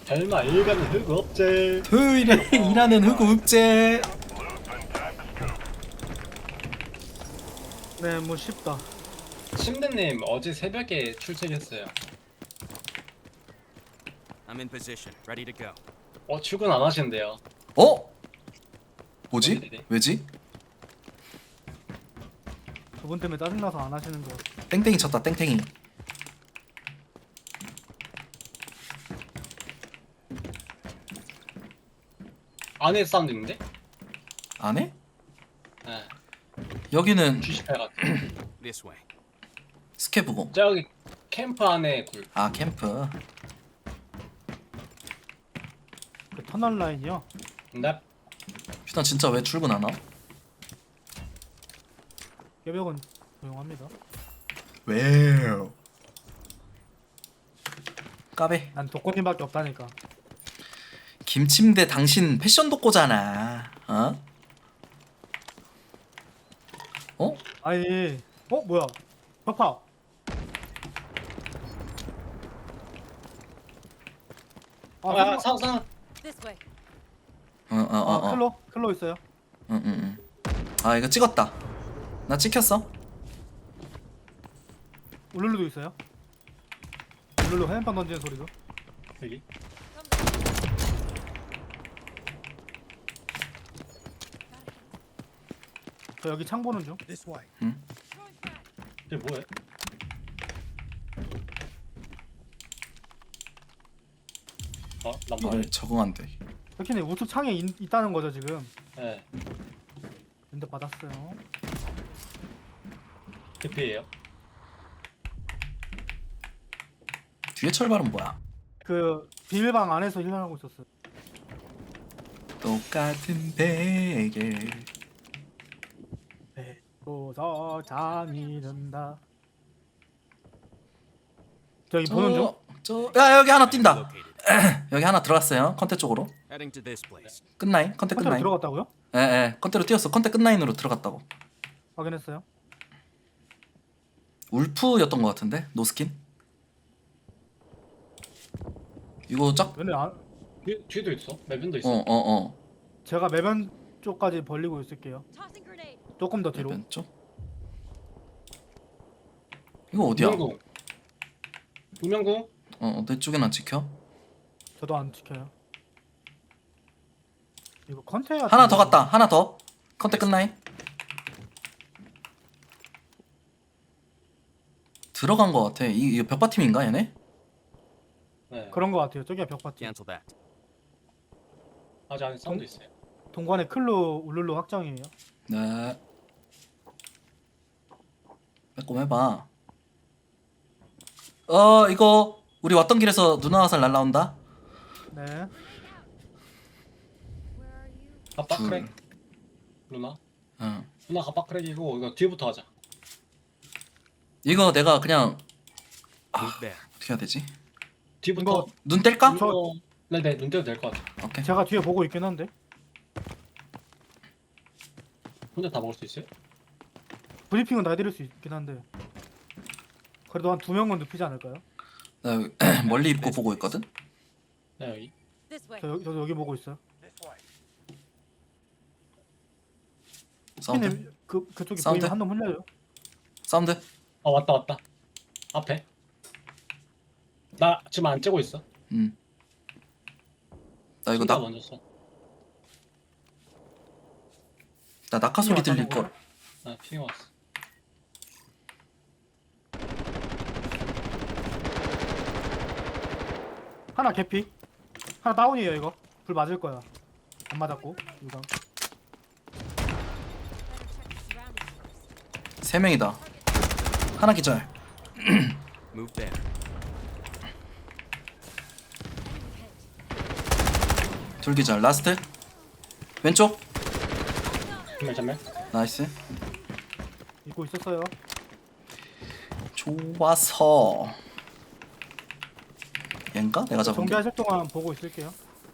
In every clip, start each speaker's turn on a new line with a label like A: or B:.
A: 설마 일가는 흑 없제.
B: 토요일에 일하는 흑우흑제.
C: 네, 뭐 쉽다.
A: 침대님 어제 새벽에 출첵했어요.
D: I'm in position, ready to go.
A: 출근 안 하신대요.
B: 어? 뭐지?
A: 어디래?
B: 왜지?
C: 저분 때문에 짜증나서 안 하시는 거.
B: 땡땡이 쳤다 땡땡이.
A: 안에 사운드 있는데?
B: 안 해?
A: 네.
B: 여기는
A: 주식회가
D: This way.
B: 스케브고.
A: 저기 캠프 안에 굴.
B: 아 캠프.
C: 그 터널 라인이요.
A: 근데
B: 휴단 진짜 왜 출근 안 와?
C: 깨벽은 조용합니다.
B: 왜요? 까베.
C: 난 독거님밖에 없다니까.
B: 김침대 당신 패션 돋고잖아. 어? 어?
C: 아니, 뭐야? 벽파. 아,
A: 상상
E: This way.
C: 클로 있어요.
B: 응응응. 아 이거 찍었다. 나 찍혔어.
C: 울룰루도 있어요. 울룰루 해안빵 던지는 소리도.
A: 여기.
C: 저 여기 창 보는 중.
A: 이게 뭐야? 난 뭐야?
B: 적응 안 돼.
C: 백희님 우측 창에 있다는 거죠 지금.
A: 네.
C: 근데 받았어요.
A: TP예요.
B: 뒤에 철발은 뭐야?
C: 그 비밀방 안에서 힐링하고 있었어요.
B: 똑같은 베개.
C: 배고서 잠이 든다. 저기 보는 중.
B: 야 여기 하나 뛴다.
D: Located.
B: 여기 하나 들어갔어요. 컨테 쪽으로.
D: Heading to this place.
B: 끝나인? 컨테
C: 컨테로
B: 끝나인?
C: 들어갔다고요?
B: 예예. 컨테로 뛰었어. 컨테 끝나인으로 들어갔다고.
C: 확인했어요.
B: 울프였던 것 같은데 노스킨. 이거 짝.
C: 근데
A: 뒤도 있어. 매변도 있어.
B: 어어어.
C: 제가 매변 쪽까지 벌리고 있을게요.
E: Tossing grenade.
C: 조금 더 뒤로.
B: 왼쪽. 이거 어디야?
A: 우명궁. 우명궁?
B: 내 쪽엔 안 찍혀.
C: 저도 안 지켜요. 이거 컨테이너
B: 하나 더 갔다. 하나 더. 컨테 끝나인? 들어간 것 같아. 이거 벽바 팀인가 얘네?
A: 네.
C: 그런 거 같아요. 저기가 벽파티.
D: Cancel that.
A: 아직 안에 사운드 있어요.
C: 동관에 클로 울룰루 확정이에요.
B: 네. 빼꼼 해봐. 이거 우리 왔던 길에서 누나 화살 날라온다.
C: 네.
E: Where are you?
A: 갑박 크랙. 누나.
B: 응.
A: 누나 갑박 크랙이고 이거 뒤부터 하자.
B: 이거 내가 그냥
D: Move there.
B: 어떻게 해야 되지?
A: 뒤부터.
C: 이거
B: 눈 뗄까?
A: 네네 눈 떼도 될 것 같아.
B: 오케이.
C: 제가 뒤에 보고 있긴 한데
A: 혼자 다 먹을 수 있어요?
C: 브리핑은 다 해드릴 수 있긴 한데 그래도 한 2명은 눕히지 않을까요?
B: 나 여기 멀리 입고 보고 있거든.
A: 네 여기.
E: This way.
C: 저도 여기 보고 있어요.
B: 사운드.
C: 피님 그쪽에
B: 사운드?
C: 보이면 한 놈 흘려요.
B: 사운드.
A: 왔다. 앞에. 나 지금 안 째고 있어.
B: 나 이거
A: 나 먼저 써.
B: 나 낙하 소리 들릴
C: 왔다는
B: 걸.
A: 나 피해 왔어.
C: 하나 개피. 하나 다운이에요 이거. 불 맞을 거야. 안 맞았고 이거.
E: Better check the surroundings first.
B: 세 명이다. 하나 기절.
D: Move there.
B: 둘 기절. 라스트. 왼쪽.
A: 전멸.
B: 나이스.
C: 입고 있었어요.
B: 좋아서. 얘인가? 내가 잡은 게.
C: 정비하실 동안 보고 있을게요.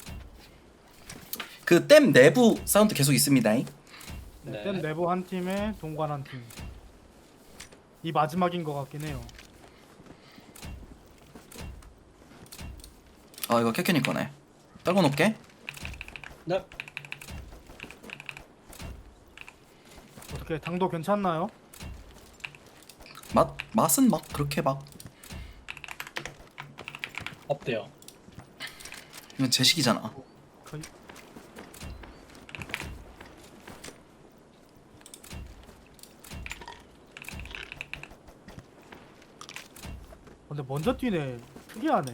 B: 그 댐 내부 사운드 계속 있습니다.
C: 네.
A: 네.
C: 댐 내부 한 팀에 동관 한 팀. 이 마지막인 것 같긴 해요.
B: 아 이거 캐캐니 거네. 떨궈 놓을게.
A: 네.
C: 어떻게 당도 괜찮나요?
B: 맛은 막 그렇게 막
A: 없대요.
B: 이건 제식이잖아.
C: 거의. 근데 먼저 뛰네. 특이하네.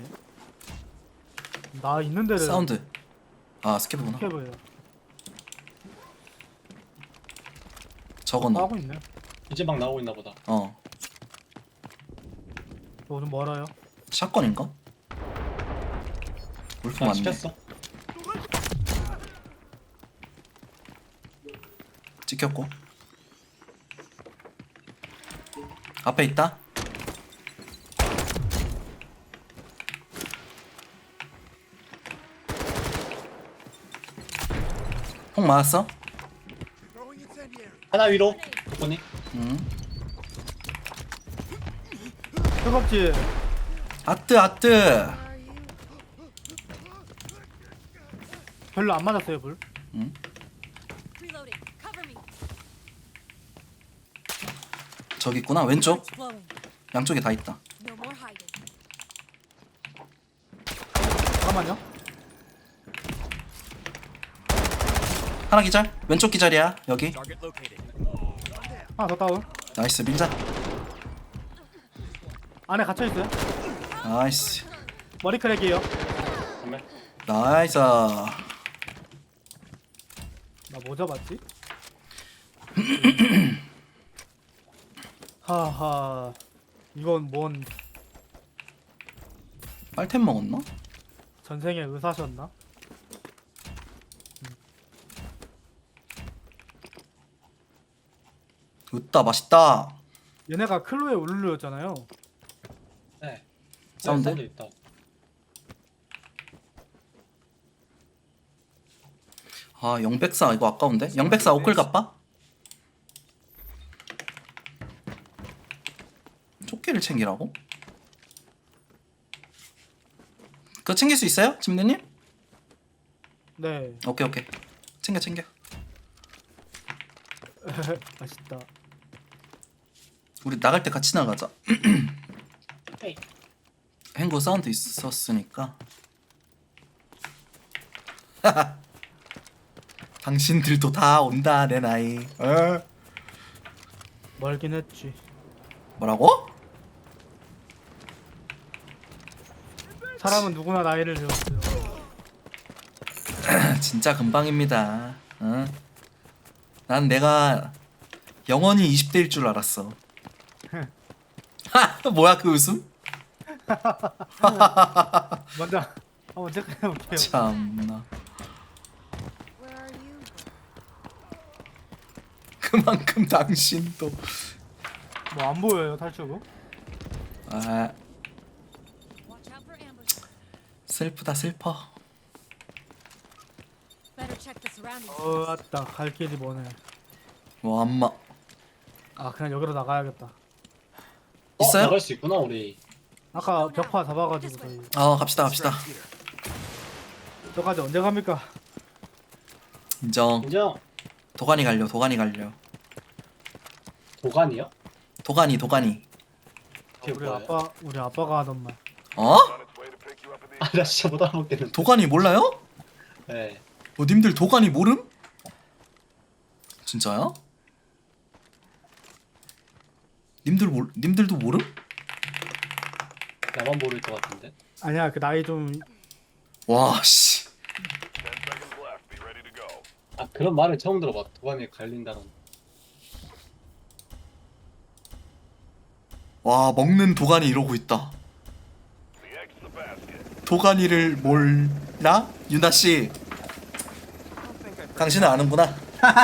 C: 나 있는 데를
B: 사운드. 아 스케브구나.
C: 스캡을
B: 저건 너.
C: 하고 있네.
A: 이제 막 나오고 있나 보다.
B: 어.
C: 너 좀 멀어요.
B: 샷건인가? 울프
A: 아,
B: 맞네.
A: 시켰어.
B: 찍혔고. 앞에 있다. 폭 맞았어?
A: 하나 위로. 도코니.
B: 응.
C: 뜨겁지?
B: 아뜨.
C: 별로 안 맞았어요 불.
B: 응.
E: Reloading. Cover me.
B: 저기 있구나. 왼쪽.
E: It's blowing.
B: 양쪽에 다 있다.
E: No more hiding.
C: 잠깐만요.
B: 하나 기절. 왼쪽 기절이야. 여기.
D: Target located.
C: 하나 더 다운.
B: 나이스 밀자.
C: 안에 갇혀 있어요.
B: 나이스.
C: 머리 크랙이에요.
A: 정말.
B: 나이스.
C: 나 뭐 잡았지? 하하. 이건 뭔
B: 빨템 먹었나?
C: 전생의 의사셨나?
B: 으따 맛있다.
C: 얘네가 클로에 울루였잖아요.
A: 네.
B: 사운드?
A: 사운드 있다.
B: 아 영백사 이거 아까운데? 영백사 오클 갑바? 조끼를 챙기라고? 그거 챙길 수 있어요? 짐대님?
C: 네.
B: 오케이 챙겨
C: 맛있다.
B: 우리 나갈 때 같이 나가자.
A: 헤이.
B: 행구 사운드 있었으니까. 당신들도 다 온다 내 나이.
C: 멀긴 했지.
B: 뭐라고?
C: 사람은 누구나 나이를 들었어요.
B: 진짜 금방입니다. 응? 난 내가 영원히 20대일 줄 알았어. 하! 뭐야 그 웃음?
C: 먼저 한번 체크해볼게요.
B: 참나.
E: Where are you?
B: 그만큼 당신도.
C: 뭐 안 보여요 탈출구?
B: 아
E: Watch out for ambush.
B: 슬프다 슬퍼.
E: Better check the surroundings.
C: 맞다. 갈 길이 뭐네.
B: 뭐 안마
C: 아 그냥 여기로 나가야겠다.
B: 있어요?
A: 나갈 수 있구나 우리.
C: 아까 벽화 잡아가지고 저희
B: 갑시다.
C: 저까지 언제 갑니까?
B: 인정.
A: 인정.
B: 도가니 갈려.
A: 도관이요?
B: 도가니.
A: 그게
C: 우리
A: 뭐예요?
C: 아빠가 하던 말.
B: 어?
A: 아, 나 진짜 못 알아먹겠는데.
B: 도가니 몰라요?
A: 네.
B: 님들 도가니 모름? 진짜야? 님들도 모름?
A: 나만 모를 것 같은데.
C: 아니야 그 나이 좀
B: 와 씨.
A: 아, 그런 말을 처음 들어봐. 도관이 갈린다는.
B: 와 먹는 도가니 이러고 있다. 도가니를 몰라? 유나 씨. 당신은 아는구나.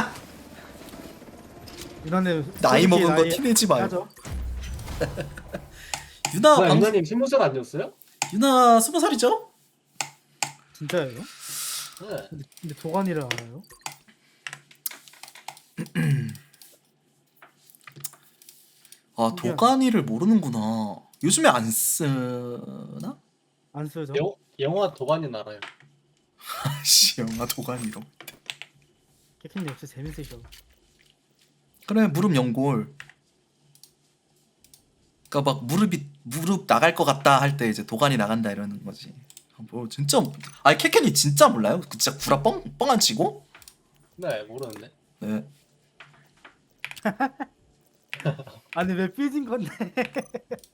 C: 유나님
B: 나이
C: 솔직히
B: 먹은 거
C: 나이
B: 티내지 말고.
C: 하죠.
B: 유나
A: 뭐야,
B: 방
A: 유나님 20살 아니었어요?
B: 유나 20살이죠?
C: 진짜예요?
A: 네.
C: 근데 도가니를 알아요?
B: 아 도가니를 모르는구나. 요즘에 안 쓰나?
C: 안 쓰죠?
A: 영화 도반이 알아요.
B: 아씨 영화 도가니로.
C: 캐킹님 역시 재밌으셔.
B: 그래 무릎 연골. 그러니까 막 무릎 나갈 것 같다 할 때 이제 도가니 나간다 이러는 거지. 뭐 진짜 아니 캐켄이 진짜 몰라요? 그 진짜 구라 뻥안 치고?
A: 네, 모르는데.
B: 네.
C: 아니 왜 삐진 건데?